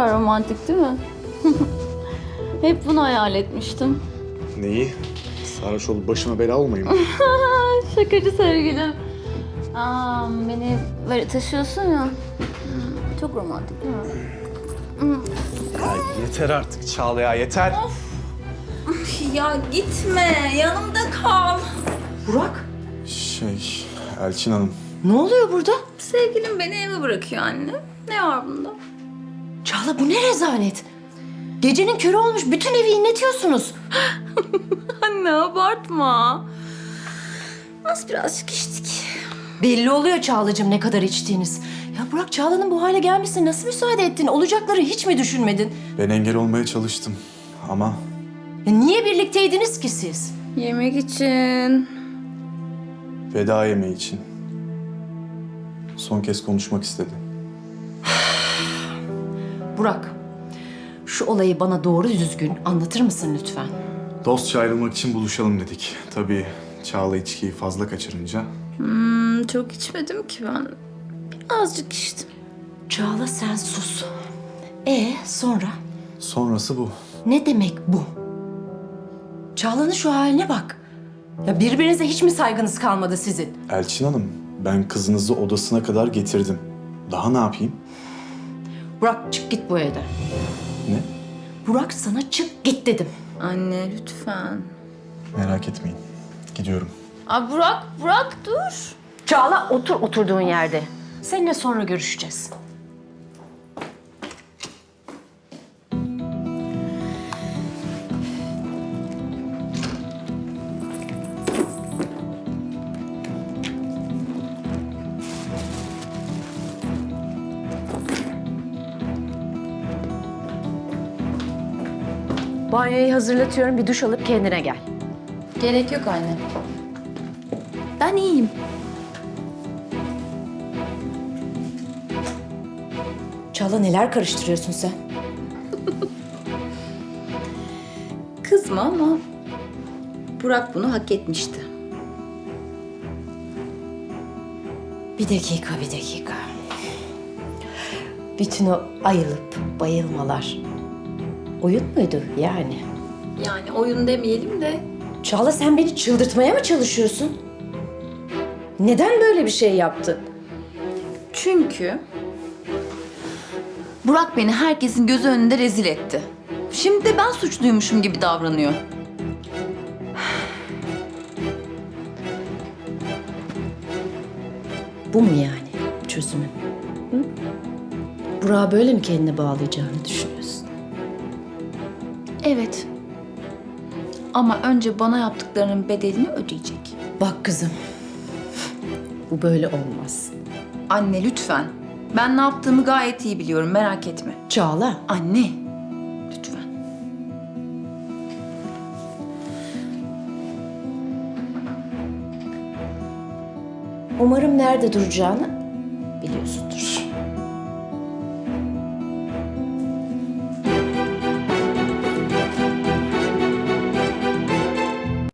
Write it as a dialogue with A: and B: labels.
A: kadar romantik değil mi? Hep bunu hayal etmiştim.
B: Neyi? Sarhoş olup başıma bela olmayayım mı?
A: Şakacı sevgilim. Beni böyle taşıyorsun ya. Çok romantik değil mi?
B: Ya yeter artık Çağla ya, yeter.
A: Ya gitme, yanımda kal.
C: Burak,
B: Elçin Hanım.
C: ne oluyor burada?
A: Sevgilim beni eve bırakıyor anne. Ne var bunda?
C: Çağla bu ne rezalet? Gecenin körü olmuş, bütün evi inletiyorsunuz.
A: Anne abartma. Az birazcık içtik.
C: Belli oluyor Çağlacığım ne kadar içtiğiniz. Ya Burak, Çağla'nın bu hale gelmesine nasıl müsaade ettin? Olacakları hiç mi düşünmedin?
B: Ben engel olmaya çalıştım ama
C: Ya niye birlikteydiniz ki siz?
A: Yemek için.
B: veda yemeği için son kez konuşmak istedi.
C: Burak, şu olayı bana doğru düzgün anlatır mısın lütfen?
B: Dostça ayrılmak için buluşalım dedik. Tabii Çağla içkiyi fazla kaçırınca.
A: Çok içmedim ki ben. Birazcık içtim.
C: Çağla sen sus. Sonra?
B: Sonrası bu.
C: Ne demek bu? Çağla'nın şu haline bak. Ya birbirinize hiç mi saygınız kalmadı sizin?
B: Elçin Hanım, ben kızınızı odasına kadar getirdim. Daha ne yapayım?
C: Burak çık git bu evden.
B: Ne?
C: Burak sana çık git dedim.
A: Anne lütfen.
B: Merak etmeyin. Gidiyorum.
A: Burak dur.
C: Çağla otur oturduğun yerde. Seninle sonra görüşeceğiz. Banyoyu hazırlatıyorum. Bir duş alıp kendine gel.
A: Gerek yok anne. Ben iyiyim.
C: Çağla neler karıştırıyorsun sen?
A: Kızma ama Burak bunu hak etmişti.
C: Bir dakika. Bütün o ayılıp bayılmalar oyun muydu yani?
A: Yani oyun demeyelim de.
C: Çağla sen beni çıldırtmaya mı çalışıyorsun? Neden böyle bir şey yaptın?
A: Çünkü Burak beni herkesin gözü önünde rezil etti. Şimdi de ben suçluymuşum gibi davranıyor.
C: Bu mu yani çözümün? Hı? Burak'ı böyle mi kendine bağlayacağını düşünüyorsun?
A: Evet. Ama önce bana yaptıklarının bedelini ödeyecek.
C: Bak kızım, bu böyle olmaz.
A: Anne lütfen. Ben ne yaptığımı gayet iyi biliyorum, merak etme.
C: Çağla,
A: Anne, lütfen.
C: umarım nerede duracağını